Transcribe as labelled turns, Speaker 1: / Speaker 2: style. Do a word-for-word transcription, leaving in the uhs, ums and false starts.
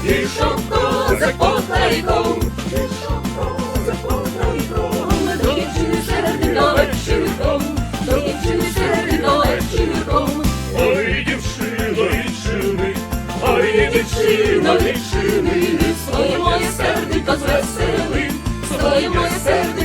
Speaker 1: Ішов козак по тайком, ішов козак по тайком, до дівчини сердито вечірком, до дівчини сердито вечірком. Ой, дівчино, відчини, ой, дівчино, відчини, своє моє серденько звесели, своє моє серденько